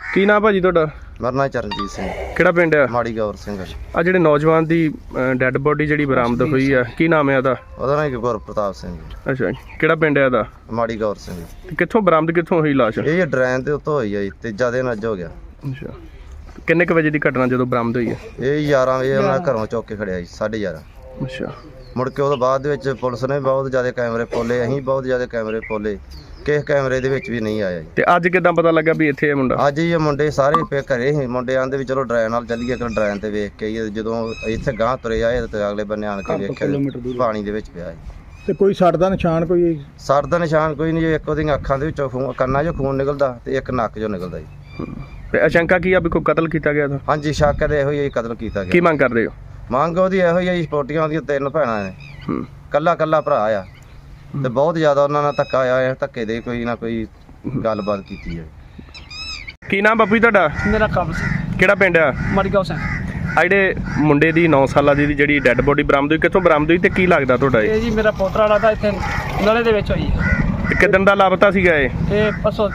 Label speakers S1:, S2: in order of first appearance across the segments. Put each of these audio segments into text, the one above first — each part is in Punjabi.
S1: ਕੀ ਨਾਮ ਭਾਜੀ ਤੁਹਾਡਾ?
S2: ਮੇਰਾ ਨਾਮ ਚਰਨਜੀਤ ਸਿੰਘ।
S1: ਕਿਹੜਾ ਪਿੰਡ ਆ?
S2: ਮਾੜੀ ਗੌਰ ਸਿੰਘ।
S1: ਆ ਜਿਹੜੇ ਨੌਜਵਾਨ ਦੀ ਡੈੱਡ ਬੋਡੀ ਜਿਹੜੀ ਬਰਾਮਦ ਹੋਈ ਆ, ਕੀ ਨਾਮ ਹੈ ਉਹਦਾ?
S2: ਉਹਦਾ ਨਾਮ ਗੁਰਪ੍ਰਤਾਪ ਸਿੰਘ।
S1: ਅੱਛਾ, ਕਿਹੜਾ ਪਿੰਡ ਹੈ ਇਹਦਾ?
S2: ਮਾੜੀ ਗੌਰ ਸਿੰਘ।
S1: ਤੇ ਕਿੱਥੋਂ ਬਰਾਮਦ ਕਿੱਥੋਂ ਹੋਈ ਲਾਸ਼?
S2: ਇਹ ਡਰੈਨ ਦੇ ਉੱਤੋਂ ਹੋਈ ਆ ਜੀ, ਤੀਜਾ ਦਿਨ ਅੱਜ ਹੋ ਗਿਆ।
S1: ਅੱਛਾ, ਕਿੰਨੇ ਕੁ ਵਜੇ ਦੀ ਘਟਨਾ ਜਦੋਂ ਬਰਾਮਦ ਹੋਈ ਹੈ?
S2: ਇਹ 11 ਵਜੇ ਉਹਨਾਂ ਘਰੋਂ ਚੁੱਕ ਕੇ ਖੜਿਆ ਜੀ, 11:30।
S1: ਅੱਛਾ,
S2: ਮੁੜ ਕੇ ਉਹਦੇ ਬਾਅਦ ਦੇ ਵਿੱਚ ਪੁਲਿਸ ਨੇ ਬਹੁਤ ਜ਼ਿਆਦਾ ਕੈਮਰੇ ਪੋਲੇ, ਅਸੀਂ ਬਹੁਤ ਜ਼ਿਆਦਾ ਕੈਮਰੇ ਪੋਲੇ, ਕਿਸੇ ਕੈਮਰੇ ਦੇ ਵਿੱਚ ਵੀ ਨਹੀਂ ਆਇਆ ਜੀ।
S1: ਤੇ ਅੱਜ ਕਿੱਦਾਂ ਪਤਾ ਲੱਗਾ ਵੀ ਇੱਥੇ ਇਹ ਮੁੰਡਾ?
S2: ਅੱਜ ਹੀ ਇਹ ਮੁੰਡੇ ਸਾਰੇ ਘਰੇ ਸੀ। ਮੁੰਡੇ ਆਂਦੇ ਵੀ ਚਲੋ ਡਰੈਨ ਨਾਲ ਚੱਲੀਏ, ਕਿ ਡਰੈਨ ਤੇ ਵੇਖ ਕੇ ਆਈਏ। ਜਦੋਂ ਇੱਥੇ ਗਾਂਹ ਤੁਰੇ ਆਏ ਤੇ ਅਗਲੇ ਬੰਨੇ ਆਣ ਕੇ ਵੇਖਿਆ ਪਾਣੀ ਦੇ ਵਿੱਚ ਪਿਆ ਜੀ।
S3: ਤੇ ਕੋਈ ਸੱਟ ਦਾ ਨਿਸ਼ਾਨ ਕੋਈ?
S2: ਸਰ ਦਾ ਨਿਸ਼ਾਨ ਕੋਈ ਨਹੀਂ ਜੀ। ਇੱਕ ਉਹਦੀਆਂ ਅੱਖਾਂ ਦੇ ਵਿੱਚੋਂ ਖੂਨ, ਕੰਨਾਂ 'ਚੋਂ ਖੂਨ ਨਿਕਲਦਾ ਤੇ ਇੱਕ ਨੱਕ 'ਚੋਂ ਨਿਕਲਦਾ ਜੀ।
S1: ਤੇ ਆਸ਼ੰਕਾ ਕੀ ਆ ਵੀ ਕੋਈ ਕਤਲ ਕੀਤਾ ਗਿਆ ਤਾਂ?
S2: ਹਾਂਜੀ, ਸ਼ੱਕ ਤੇ ਇਹੋ ਹੀ ਕਤਲ ਕੀਤਾ
S1: ਕੀ
S2: ਗਿਆ।
S1: ਮੰਗ ਕਰਦੇ ਹੋ?
S2: ਮੰਗ ਉਹਦੀ ਇਹੋ ਹੀ ਆ ਜੀ, ਸਪੋਰਟੀਆਂ ਉਹਦੀਆਂ 3 ਭੈਣਾਂ ਨੇ, ਕੱਲਾ ਭਰਾ ਆ ਤੇ ਬਹੁਤ ਜ਼ਿਆਦਾ ਉਹਨਾਂ ਨਾਲ ਧੱਕਾ ਆਇਆ। ਧੱਕੇ ਦੇ ਕੋਈ ਨਾ ਕੋਈ ਗੱਲਬਾਤ ਕੀਤੀ ਹੈ।
S1: ਕੀ ਨਾਮ ਬਾਪੂ ਜੀ ਤੁਹਾਡਾ?
S4: ਮੇਰਾ ਕਾਬਲ ਸਿੰਘ।
S1: ਕਿਹੜਾ ਪਿੰਡ ਆ?
S4: ਮਾੜੀ ਗੌਰ ਸਿੰਘ।
S1: ਆ ਜਿਹੜੇ ਮੁੰਡੇ ਦੀ 9 ਸਾਲਾਂ ਦੀ ਜਿਹੜੀ ਡੈੱਡ ਬੋਡੀ ਬਰਾਮਦ ਹੋਈ, ਕਿੱਥੋਂ ਬਰਾਮਦ ਹੋਈ ਤੇ ਕੀ ਲੱਗਦਾ ਤੁਹਾਡਾ ਇਹ?
S4: ਇਹ ਜੀ ਮੇਰਾ ਪੋਤਰਾ ਲੱਗਦਾ, ਇੱਥੇ ਨਲੇ ਦੇ ਵਿੱਚ ਹੋਈ ਹੈ।
S1: ਤੇ ਕਿੱਦਣ ਦਾ ਲਾਪਤਾ ਸੀਗਾ ਇਹ?
S4: ਇਹ ਪਰਸੋਂ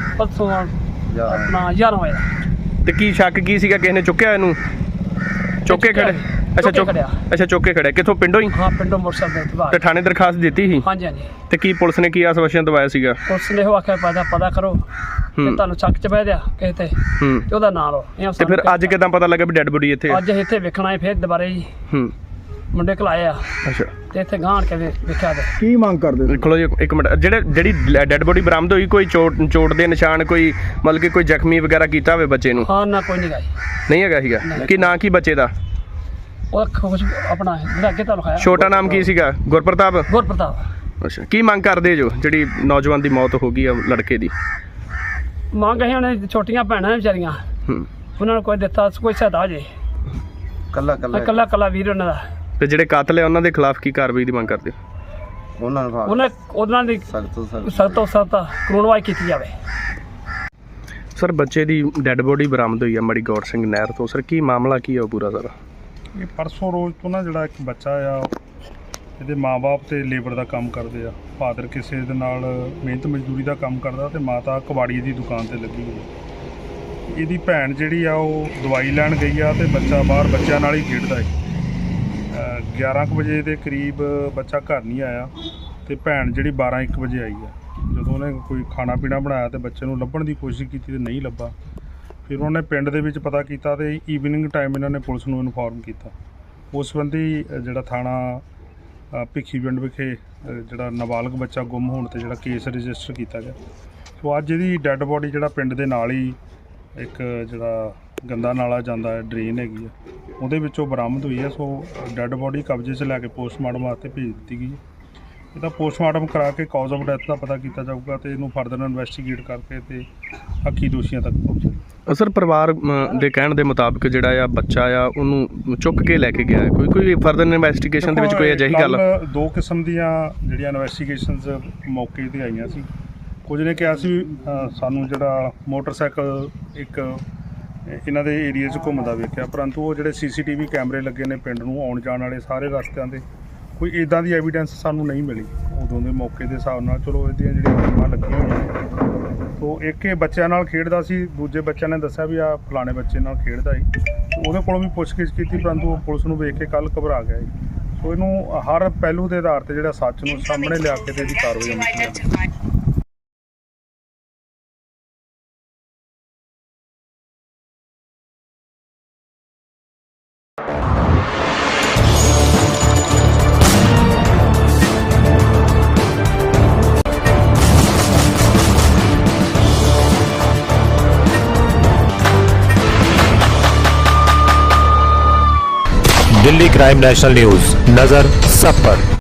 S4: ਆਪਣਾ 11 ਵਜੇ।
S1: ਤੇ ਕੀ ਸ਼ੱਕ ਕੀ ਸੀਗਾ? ਕਿਸੇ ਨੇ ਚੁੱਕਿਆ ਇਹਨੂੰ? ਚੁੱਕ ਕੇ ਖੜੇ? ਅੱਛਾ, ਚੁੱਕ ਕੇ ਖੜਿਆ। ਕਿੱਥੋਂ? ਪਿੰਡੋਂ ਹੀ?
S4: ਹਾਂ, ਪਿੰਡੋਂ ਮੋਟਰਸਾਈਕਲ ਤੇ ਬਾਹਰ।
S1: ਤੇ ਥਾਣੇ ਦਰਖਾਸਤ ਦਿੱਤੀ ਸੀ?
S4: ਹਾਂਜੀ ਹਾਂਜੀ।
S1: ਤੇ ਕੀ ਪੁਲਿਸ ਨੇ ਕੀ ਆਸ਼ਵਾਸਨ ਦਵਾਇਆ ਸੀਗਾ?
S4: ਪੁਲਿਸ ਨੇ ਉਹ ਆਖਿਆ ਪਤਾ ਕਰੋ ਤੇ ਤੁਹਾਨੂੰ ਚੱਕ ਚ ਬਹਿ ਦਿਆ ਕਿਸੇ ਤੇ ਤੇ ਉਹਦਾ ਨਾਂ ਲਓ।
S1: ਤੇ ਫਿਰ ਅੱਜ ਕਿਦਾਂ ਪਤਾ ਲੱਗਾ ਵੀ ਡੈੱਡ ਬੋਡੀ ਇੱਥੇ?
S4: ਅੱਜ ਇੱਥੇ ਵੇਖਣਾ ਹੈ ਫਿਰ ਦੁਬਾਰੇ ਜੀ। ਮੁੰਡੇ ਘਲਾਏ ਆ।
S1: ਅੱਛਾ,
S4: ਤੇ ਇੱਥੇ ਗਾਂਢ ਕੇ ਵੇਖਿਆ ਤੇ
S3: ਕੀ ਮੰਗ ਕਰਦੇ?
S1: ਦੇਖੋ ਜੀ ਇੱਕ ਮਿੰਟ, ਜਿਹੜੀ ਡੈੱਡ ਬੋਡੀ ਬਰਾਮਦ ਹੋਈ, ਕੋਈ ਚੋਟ ਦੇ ਨਿਸ਼ਾਨ, ਕੋਈ ਮਤਲਬ ਕਿ ਕੋਈ ਜ਼ਖਮੀ ਵਗੈਰਾ ਕੀਤਾ ਹੋਵੇ ਬੱਚੇ ਨੂੰ?
S4: ਹਾਂ ਨਾ, ਕੋਈ ਨਹੀਂ ਗਾਈ।
S1: ਨਹੀਂ ਹੈਗਾ ਸੀਗਾ? ਕੀ ਨਾਂ ਕੀ ਬੱਚੇ ਦਾ?
S4: ਉਹ ਕੁਝ ਆਪਣਾ ਜਿਹੜਾ ਅੱਗੇ ਤੁਹਾਨੂੰ ਖਾਇਆ।
S1: ਛੋਟਾ ਨਾਮ ਕੀ ਸੀਗਾ? ਗੁਰਪ੍ਰਤਾਪ। ਅੱਛਾ, ਕੀ ਮੰਗ ਕਰਦੇ ਜੋ ਜਿਹੜੀ ਨੌਜਵਾਨ ਦੀ ਮੌਤ ਹੋ ਗਈ ਆ ਲੜਕੇ ਦੀ?
S4: ਮੰਗ ਅਸੀਂ ਉਹਨੇ ਛੋਟੀਆਂ ਭੈਣਾਂ ਵਿਚਾਰੀਆਂ, ਉਹਨਾਂ ਨੂੰ ਕੋਈ ਦਿੱਤਾ, ਕੋਈ ਸਹਾਇਤਾ ਜੇ। ਕੱਲਾ ਵੀਰ ਉਹਨਾਂ ਦਾ।
S1: ਤੇ ਜਿਹੜੇ ਕਾਤਲ ਆ ਉਹਨਾਂ ਦੇ ਖਿਲਾਫ ਕੀ ਕਾਰਵਾਈ ਦੀ ਮੰਗ ਕਰਦੇ ਹੋ?
S4: ਉਹਨਾਂ ਦੀ ਸਖਤ ਤੋਂ ਸਖਤ ਕਾਨੂੰਨਵਾਈ ਕੀਤੀ ਜਾਵੇ।
S1: ਸਰ, ਬੱਚੇ ਦੀ ਡੈੱਡ ਬੋਡੀ ਬਰਾਮਦ ਹੋਈ ਆ ਮਾੜੀ ਗੌਰ ਸਿੰਘ ਨਹਿਰ ਤੋਂ। ਸਰ, ਕੀ ਮਾਮਲਾ ਕੀ ਆ ਉਹ ਪੂਰਾ ਸਾਰਾ?
S5: ਇਹ ਪਰਸੋਂ ਰੋਜ਼ ਤੋਂ ਨਾ ਜਿਹੜਾ ਇੱਕ ਬੱਚਾ ਆ, ਇਹਦੇ ਮਾਂ-ਬਾਪ ਤੇ ਲੇਬਰ ਦਾ ਕੰਮ ਕਰਦੇ ਆ। ਫਾਦਰ ਕਿਸੇ ਦੇ ਨਾਲ ਮਿਹਨਤ ਮਜ਼ਦੂਰੀ ਦਾ ਕੰਮ ਕਰਦਾ ਤੇ ਮਾਤਾ ਕਬਾੜੀ ਦੀ ਦੁਕਾਨ ਤੇ ਲੱਗੀ ਹੋਈ। ਇਹਦੀ ਭੈਣ ਜਿਹੜੀ ਆ ਉਹ ਦਵਾਈ ਲੈਣ ਗਈ ਆ ਤੇ ਬੱਚਾ ਬਾਹਰ ਬੱਚਿਆਂ ਨਾਲ ਹੀ ਖੇਡਦਾ ਹੈ। 11 ਕੁ ਵਜੇ ਦੇ ਕਰੀਬ ਬੱਚਾ ਘਰ ਨਹੀਂ ਆਇਆ ਤੇ ਭੈਣ ਜਿਹੜੀ 12-1 ਵਜੇ ਆਈ ਆ। ਜਦੋਂ ਉਹਨੇ ਕੋਈ ਖਾਣਾ ਪੀਣਾ ਬਣਾਇਆ ਤੇ ਬੱਚੇ ਨੂੰ ਲੱਭਣ ਦੀ ਕੋਸ਼ਿਸ਼ ਕੀਤੀ ਤੇ ਨਹੀਂ ਲੱਭਾ। ਫਿਰ ਉਹਨੇ ਪਿੰਡ ਦੇ ਵਿੱਚ ਪਤਾ ਕੀਤਾ ਤੇ ਈਵਨਿੰਗ ਟਾਈਮ ਇਹਨਾਂ ਨੇ ਪੁਲਿਸ ਨੂੰ ਇਨਫੋਰਮ ਕੀਤਾ। ਉਸ ਸੰਬੰਧੀ ਜਿਹੜਾ ਥਾਣਾ ਭਿੱਖੀ ਪਿੰਡ ਵਿਖੇ ਜਿਹੜਾ ਨਾਬਾਲਗ ਬੱਚਾ ਗੁੰਮ ਹੋਣ ਤੇ ਜਿਹੜਾ ਕੇਸ ਰਜਿਸਟਰ ਕੀਤਾ ਗਿਆ। ਸੋ ਅੱਜ ਇਹਦੀ ਡੈੱਡ ਬੋਡੀ ਜਿਹੜਾ ਪਿੰਡ ਦੇ ਨਾਲ ਹੀ ਇੱਕ ਜਿਹੜਾ ਗੰਦਾ ਨਾਲਾ ਜਾਂਦਾ ਹੈ, ਡਰੇਨ ਹੈਗੀ ਆ, ਉਹਦੇ ਵਿੱਚੋਂ ਬਰਾਮਦ ਹੋਈ ਹੈ। ਸੋ ਡੈੱਡ ਬੋਡੀ ਕਬਜ਼ੇ 'ਚ ਲੈ ਕੇ ਪੋਸਟਮਾਰਟਮ ਵਾਸਤੇ ਭੇਜ ਦਿੱਤੀ ਗਈ ਹੈ। ਇਹਦਾ ਪੋਸਟਮਾਰਟਮ ਕਰਾ ਕੇ ਕਾਜ਼ ਆਫ ਡੈਥ ਦਾ ਪਤਾ ਕੀਤਾ ਜਾਊਗਾ ਤੇ ਇਹਨੂੰ ਫਰਦਰ ਇਨਵੈਸਟੀਗੇਟ ਕਰਕੇ ਤੇ ਹੱਕੀ ਦੋਸ਼ੀਆਂ ਤੱਕ ਪਹੁੰਚੇ।
S1: ਸਰ, ਪਰਿਵਾਰ ਦੇ ਕਹਿਣ ਦੇ ਮੁਤਾਬਕ ਜਿਹੜਾ ਆ ਬੱਚਾ ਆ ਉਹਨੂੰ ਚੁੱਕ ਕੇ ਲੈ ਕੇ ਗਿਆ। ਕੋਈ ਫਰਦਰ ਇਨਵੈਸਟੀਗੇਸ਼ਨ ਦੇ ਵਿੱਚ ਕੋਈ ਅਜਿਹੀ ਗੱਲ?
S5: 2 ਕਿਸਮ ਦੀਆਂ ਜਿਹੜੀਆਂ ਇਨਵੈਸਟੀਗੇਸ਼ਨਸ ਮੌਕੇ 'ਤੇ ਆਈਆਂ ਸੀ। ਕੁਝ ਨੇ ਕਿਹਾ ਸੀ ਸਾਨੂੰ ਜਿਹੜਾ ਮੋਟਰਸਾਈਕਲ ਇੱਕ ਇਹਨਾਂ ਦੇ ਏਰੀਏ 'ਚ ਘੁੰਮਦਾ ਵੇਖਿਆ, ਪਰੰਤੂ ਉਹ ਜਿਹੜੇ CCTV ਕੈਮਰੇ ਲੱਗੇ ਨੇ ਪਿੰਡ ਨੂੰ ਆਉਣ ਜਾਣ ਵਾਲੇ ਸਾਰੇ ਰਸਤਿਆਂ 'ਤੇ, ਕੋਈ ਇੱਦਾਂ ਦੀ ਐਵੀਡੈਂਸ ਸਾਨੂੰ ਨਹੀਂ ਮਿਲੀ ਉਦੋਂ ਦੇ ਮੌਕੇ ਦੇ ਹਿਸਾਬ ਨਾਲ। ਚਲੋ ਇਹਦੀਆਂ ਜਿਹੜੀਆਂ ਟੀਮਾਂ ਲੱਗੀਆਂ ਹੋਈਆਂ ਨੇ। ਸੋ ਇੱਕ ਇਹ ਬੱਚਿਆਂ ਨਾਲ ਖੇਡਦਾ ਸੀ, ਦੂਜੇ ਬੱਚਿਆਂ ਨੇ ਦੱਸਿਆ ਵੀ ਆ ਫਲਾਣੇ ਬੱਚੇ ਨਾਲ ਖੇਡਦਾ ਸੀ। ਉਹਦੇ ਕੋਲੋਂ ਵੀ ਪੁੱਛਗਿੱਛ ਕੀਤੀ, ਪਰੰਤੂ ਉਹ ਪੁਲਿਸ ਨੂੰ ਵੇਖ ਕੇ ਕੱਲ੍ਹ ਘਬਰਾ ਗਿਆ ਸੀ। ਸੋ ਇਹਨੂੰ ਹਰ ਪਹਿਲੂ ਦੇ ਆਧਾਰ 'ਤੇ ਜਿਹੜਾ ਸੱਚ ਨੂੰ ਸਾਹਮਣੇ ਲਿਆ ਕੇ ਤੇ ਇਹਦੀ ਕਾਰਵਾਈ ਹੋਣੀ ਚਾਹੀਦੀ।
S6: दिल्ली क्राइम नेशनल न्यूज, नजर सब पर।